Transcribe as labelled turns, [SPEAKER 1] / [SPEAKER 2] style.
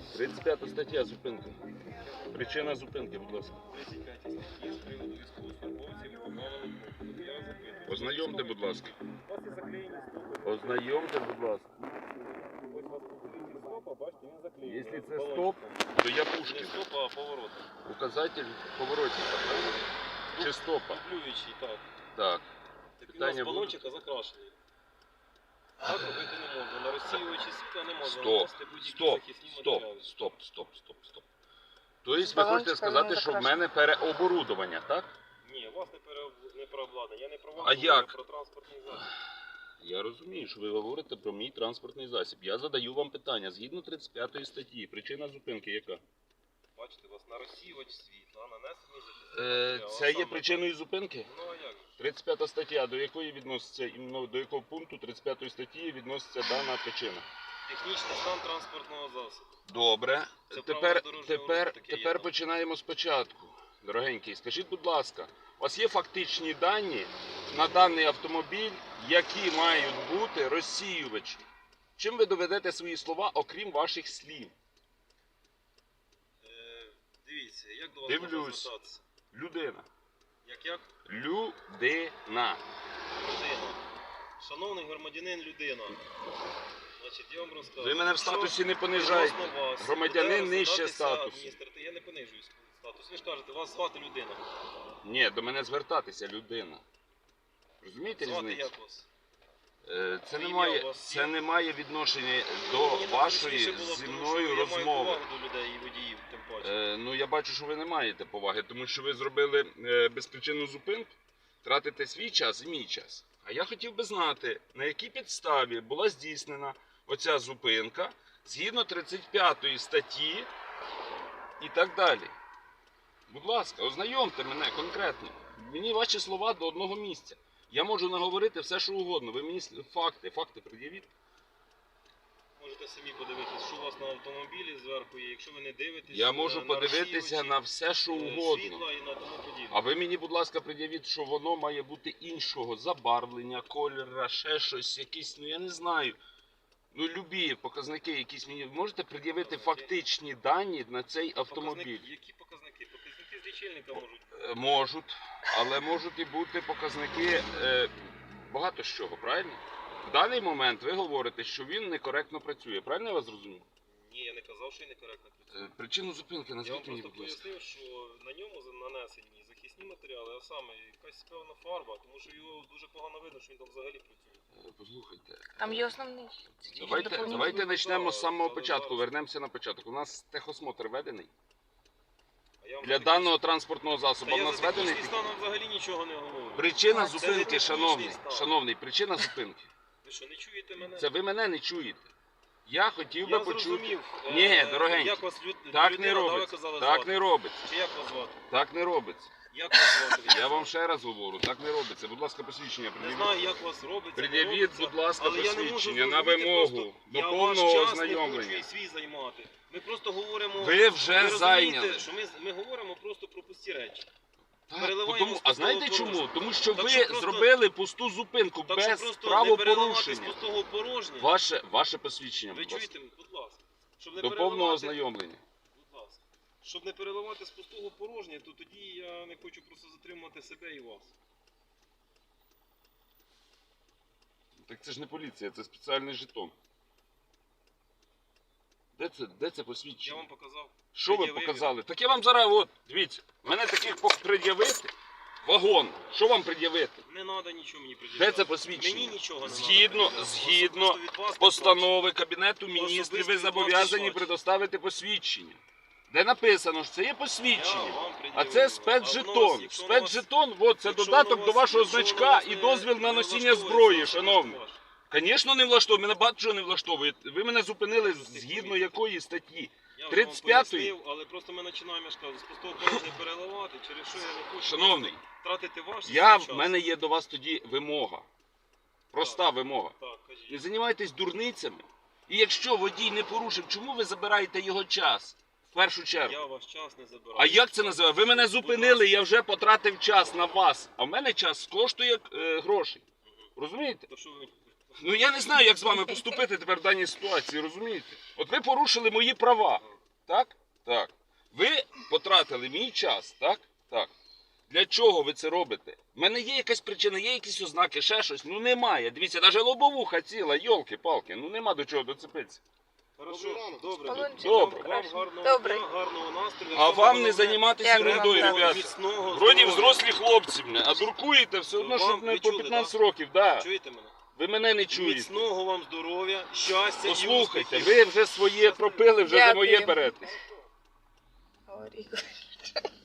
[SPEAKER 1] 35 стаття зупинки. Причина зупинки, будь ласка.
[SPEAKER 2] 35 статті з приводу військовослужбовців і поправили кнопку. Я запитую.
[SPEAKER 1] Ознайомте, будь ласка.
[SPEAKER 2] У вас є заклеєні стопи.
[SPEAKER 1] Ознайомте, будь ласка.
[SPEAKER 2] Ось у вас покажіть стопа, бачите, він заклеєний.
[SPEAKER 1] Якщо це
[SPEAKER 2] Балончиком.
[SPEAKER 1] стоп, то я
[SPEAKER 2] Не
[SPEAKER 1] Пушкін.
[SPEAKER 2] стопа, а поворот.
[SPEAKER 1] Указатель поворотника, правильно? Чи стопа?
[SPEAKER 2] Дублюючий, так.
[SPEAKER 1] Так.
[SPEAKER 2] Так він у
[SPEAKER 1] Питання
[SPEAKER 2] нас балончика закрашений. Так робити не можна. На розсіювачі світла не можна
[SPEAKER 1] Стоп,
[SPEAKER 2] наносити будь-які
[SPEAKER 1] стоп,
[SPEAKER 2] захисні
[SPEAKER 1] стоп,
[SPEAKER 2] матеріали.
[SPEAKER 1] стоп. Тобто ви
[SPEAKER 3] Балончика
[SPEAKER 1] хочете сказати,
[SPEAKER 3] не
[SPEAKER 1] що в
[SPEAKER 3] закрашено.
[SPEAKER 1] мене переоборудовання, так?
[SPEAKER 2] Ні, у вас не переобладнання. Я не про вас,
[SPEAKER 1] А як?
[SPEAKER 2] про транспортний засіб.
[SPEAKER 1] Я розумію, що ви говорите про мій транспортний засіб. Я задаю вам питання. Згідно 35 статті, причина зупинки яка?
[SPEAKER 2] Бачите, у вас на розсіювач світла, нанесений захисний матеріал.
[SPEAKER 1] Це є причиною зупинки?
[SPEAKER 2] Ну а як же?
[SPEAKER 1] 35 стаття, до якої відноситься, іменно до якого пункту 35 статті відноситься дана причина?
[SPEAKER 2] Технічний стан транспортного засобу.
[SPEAKER 1] Добре.
[SPEAKER 2] Це
[SPEAKER 1] Тепер,
[SPEAKER 2] правило дорожнього
[SPEAKER 1] тепер,
[SPEAKER 2] руху, таке є,
[SPEAKER 1] тепер
[SPEAKER 2] так.
[SPEAKER 1] починаємо спочатку. Дорогенький, скажіть, будь ласка, у вас є фактичні дані на даний автомобіль, які мають бути розсіювачі? Чим ви доведете свої слова, окрім ваших слів?
[SPEAKER 2] Дивіться, як до вас
[SPEAKER 1] Дивлюсь.
[SPEAKER 2] можна звертатися?
[SPEAKER 1] Людина.
[SPEAKER 2] Як?
[SPEAKER 1] Людина.
[SPEAKER 2] Людина. Шановний громадянин, людина. Значить, я вам розкажу.
[SPEAKER 1] Ви мене в
[SPEAKER 2] Що
[SPEAKER 1] статусі не понижайте.
[SPEAKER 2] відносно вас
[SPEAKER 1] Громадянин
[SPEAKER 2] буде
[SPEAKER 1] нижче
[SPEAKER 2] розглядатися
[SPEAKER 1] статусу.
[SPEAKER 2] Я не понижую статус. Ви ж кажете, вас звати людина.
[SPEAKER 1] Ні, до мене звертатися людина. Розумієте
[SPEAKER 2] Звати
[SPEAKER 1] різницю?
[SPEAKER 2] як вас?
[SPEAKER 1] Це
[SPEAKER 2] Ім'я
[SPEAKER 1] не
[SPEAKER 2] у
[SPEAKER 1] має,
[SPEAKER 2] вас
[SPEAKER 1] це
[SPEAKER 2] є?
[SPEAKER 1] не має відношення до
[SPEAKER 2] Мені так
[SPEAKER 1] вашої
[SPEAKER 2] зручніше було,
[SPEAKER 1] зі
[SPEAKER 2] тому
[SPEAKER 1] мною
[SPEAKER 2] що Я
[SPEAKER 1] розмови.
[SPEAKER 2] маю повагу до людей і водіїв, тим паче.
[SPEAKER 1] Ну я бачу, що ви не маєте поваги, тому що ви зробили безпричинну зупинку, тратите свій час і мій час. А я хотів би знати, на якій підставі була здійснена оця зупинка згідно 35 статті і так далі. Будь ласка, ознайомте мене конкретно. Мені ваші слова до одного місця. Я можу наговорити все, що угодно. Ви мені факти пред'явіть.
[SPEAKER 2] Можете самі подивитися, що у вас на автомобілі зверху є. Якщо ви не дивитесь,
[SPEAKER 1] Я можу
[SPEAKER 2] на
[SPEAKER 1] подивитися
[SPEAKER 2] розсіювачі,
[SPEAKER 1] на все, що угодно.
[SPEAKER 2] світла і на тому подібне.
[SPEAKER 1] А ви мені, будь ласка, пред'явіть, що воно має бути іншого забарвлення, кольора, ще щось, якісь, ну я не знаю. Ну, любі показники якісь мені. Можете пред'явити фактичні дані на цей автомобіль?
[SPEAKER 2] Які показники? Показники з лічильника можуть.
[SPEAKER 1] Можуть, але можуть і бути показники багато з чого, правильно? В даний момент ви говорите, що він некоректно працює. Правильно я вас зрозумів?
[SPEAKER 2] Ні, я не казав, що і некоректно працює.
[SPEAKER 1] Причину зупинки
[SPEAKER 2] Я вам
[SPEAKER 1] назвіть мені,
[SPEAKER 2] просто
[SPEAKER 1] будь ласка.
[SPEAKER 2] пояснив, що на ньому нанесені захисні матеріали, а саме якась певна фарба, тому що його дуже погано видно, що він там взагалі працює.
[SPEAKER 1] Послухайте.
[SPEAKER 3] Там є основний.
[SPEAKER 1] Давайте почнемо з самого початку, вернемося на початок. У нас техосмотр ведений.
[SPEAKER 2] А я вам
[SPEAKER 1] Для
[SPEAKER 2] за
[SPEAKER 1] даного транспортного
[SPEAKER 2] Та
[SPEAKER 1] засобу в
[SPEAKER 2] я
[SPEAKER 1] нас
[SPEAKER 2] за
[SPEAKER 1] ведений.
[SPEAKER 2] технічний стан взагалі нічого не говорю.
[SPEAKER 1] Причина
[SPEAKER 3] А, це
[SPEAKER 1] зупинки,
[SPEAKER 2] не технічний стан.
[SPEAKER 1] шановний, причина зупинки.
[SPEAKER 2] Ви що, не чуєте мене?
[SPEAKER 1] Це ви мене не чуєте. Я хотів би
[SPEAKER 2] Я
[SPEAKER 1] почути.
[SPEAKER 2] зрозумів.
[SPEAKER 1] Ні, дорогенький,
[SPEAKER 2] Як вас
[SPEAKER 1] так
[SPEAKER 2] людина,
[SPEAKER 1] не
[SPEAKER 2] да, ви
[SPEAKER 1] робиться.
[SPEAKER 2] казали,
[SPEAKER 1] Так
[SPEAKER 2] звати?
[SPEAKER 1] не робиться.
[SPEAKER 2] Чи як вас звати?
[SPEAKER 1] Так не робиться.
[SPEAKER 2] Як вас звати?
[SPEAKER 1] Я вам ще раз говорю, так не робиться. Будь ласка, посвідчення
[SPEAKER 2] Не
[SPEAKER 1] пред'явіть.
[SPEAKER 2] знаю, як вас робиться. не
[SPEAKER 1] Пред'явіть,
[SPEAKER 2] робиться,
[SPEAKER 1] будь ласка,
[SPEAKER 2] але я не можу
[SPEAKER 1] посвідчення на
[SPEAKER 2] зрозуміти
[SPEAKER 1] вимогу
[SPEAKER 2] просто,
[SPEAKER 1] до
[SPEAKER 2] я
[SPEAKER 1] повного
[SPEAKER 2] ваш час не хочу
[SPEAKER 1] ознайомлення.
[SPEAKER 2] і свій займати. Ми просто говоримо.
[SPEAKER 1] Ви вже
[SPEAKER 2] розумієте,
[SPEAKER 1] зайняли.
[SPEAKER 2] що ми говоримо просто про пусті речі.
[SPEAKER 1] Так,
[SPEAKER 2] переливаємо
[SPEAKER 1] тому,
[SPEAKER 2] з
[SPEAKER 1] а знаєте
[SPEAKER 2] пустого
[SPEAKER 1] чому?
[SPEAKER 2] порожнє.
[SPEAKER 1] Тому що
[SPEAKER 2] Так
[SPEAKER 1] ви
[SPEAKER 2] що просто-
[SPEAKER 1] зробили пусту зупинку
[SPEAKER 2] Так що
[SPEAKER 1] без
[SPEAKER 2] просто не переливати з
[SPEAKER 1] правопорушення.
[SPEAKER 2] пустого порожнє.
[SPEAKER 1] Ваше посвідчення,
[SPEAKER 2] Ви
[SPEAKER 1] будь ласка.
[SPEAKER 2] чуєте, будь ласка. Щоб не
[SPEAKER 1] До повного
[SPEAKER 2] переливати-
[SPEAKER 1] ознайомлення.
[SPEAKER 2] Будь ласка. Щоб не переливати з пустого порожнє, то тоді я не хочу просто затримувати себе і вас.
[SPEAKER 1] Так це ж не поліція, це спеціальний жетон. Де це
[SPEAKER 2] Я
[SPEAKER 1] посвідчення?
[SPEAKER 2] вам показав.
[SPEAKER 1] Що ви
[SPEAKER 2] пред'явив.
[SPEAKER 1] показали? Так я вам зараз, от, дивіться, мене таких пред'явити. Вагон. Що вам пред'явити?
[SPEAKER 2] Не треба нічого мені пред'являти.
[SPEAKER 1] Де це посвідчення?
[SPEAKER 2] Мені нічого не
[SPEAKER 1] Згідно,
[SPEAKER 2] треба.
[SPEAKER 1] згідно
[SPEAKER 2] Особисто від вас
[SPEAKER 1] постанови Кабінету
[SPEAKER 2] Особисто
[SPEAKER 1] Міністрів,
[SPEAKER 2] від
[SPEAKER 1] ви
[SPEAKER 2] вас
[SPEAKER 1] зобов'язані
[SPEAKER 2] пішло.
[SPEAKER 1] предоставити посвідчення. Де написано, що це є
[SPEAKER 2] Я
[SPEAKER 1] посвідчення.
[SPEAKER 2] вам
[SPEAKER 1] А
[SPEAKER 2] пред'явив.
[SPEAKER 1] це
[SPEAKER 2] А
[SPEAKER 1] спецжетон.
[SPEAKER 2] якщо на вас-
[SPEAKER 1] Спецжетон, от, це
[SPEAKER 2] якщо
[SPEAKER 1] додаток
[SPEAKER 2] на
[SPEAKER 1] до
[SPEAKER 2] вас-
[SPEAKER 1] вашого
[SPEAKER 2] якщо на
[SPEAKER 1] значка
[SPEAKER 2] вас
[SPEAKER 1] і
[SPEAKER 2] не-
[SPEAKER 1] дозвіл на
[SPEAKER 2] не
[SPEAKER 1] носіння
[SPEAKER 2] влаштовує,
[SPEAKER 1] зброї,
[SPEAKER 2] це
[SPEAKER 1] шановний.
[SPEAKER 2] ваш.
[SPEAKER 1] Звісно, не влаштовує. Мене багато чого не влаштовує. Ви мене зупинили згідно якої статті?
[SPEAKER 2] Я
[SPEAKER 1] 35-ї?
[SPEAKER 2] вам пояснив, але просто ми починаємо, я ж кажу, з пустого порожня переливати, через що я не хочу
[SPEAKER 1] Шановний,
[SPEAKER 2] тратити ваш
[SPEAKER 1] В
[SPEAKER 2] час.
[SPEAKER 1] мене є до вас тоді вимога. Проста вимога.
[SPEAKER 2] Так,
[SPEAKER 1] Не
[SPEAKER 2] кажіть.
[SPEAKER 1] займайтесь дурницями. І якщо водій не порушив, чому ви забираєте його час? В першу чергу.
[SPEAKER 2] Я ваш час не забираю.
[SPEAKER 1] А як це називає? Ви мене зупинили, я вже потратив час на вас. А в мене час коштує грошей. Розумієте?
[SPEAKER 2] То що ви...
[SPEAKER 1] Ну я не знаю, як з вами поступити тепер в даній ситуації, розумієте? От ви порушили мої права. Так? Так. Ви потратили мій час, так? Так. Для чого ви це робите? У мене є якась причина, є якісь ознаки, ще щось. Ну немає. Дивіться, навіть лобовуха ціла, йолки-палки, ну нема до чого доцепитися.
[SPEAKER 2] Хорошо, добре.
[SPEAKER 3] Полончик.
[SPEAKER 1] Добре.
[SPEAKER 2] Вам гарного
[SPEAKER 3] Добре.
[SPEAKER 2] дня, гарного настрою.
[SPEAKER 1] А вам не займатися
[SPEAKER 3] Дякую
[SPEAKER 1] ерундою,
[SPEAKER 3] вам,
[SPEAKER 1] ребята.
[SPEAKER 2] Міцного
[SPEAKER 1] Вроді
[SPEAKER 2] здоров'я.
[SPEAKER 1] взрослі хлопці, а дуркуєте все одно,
[SPEAKER 2] Вам
[SPEAKER 1] щоб не
[SPEAKER 2] ви
[SPEAKER 1] по
[SPEAKER 2] чули,
[SPEAKER 1] 15 років. Да.
[SPEAKER 2] Чуєте мене?
[SPEAKER 1] Ви мене не чуєте.
[SPEAKER 2] Міцного вам здоров'я, щастя і
[SPEAKER 1] Послухайте,
[SPEAKER 2] успіхів.
[SPEAKER 1] ви вже своє пропили, вже за моє
[SPEAKER 3] Дякую.
[SPEAKER 1] беретесь.
[SPEAKER 3] Говори.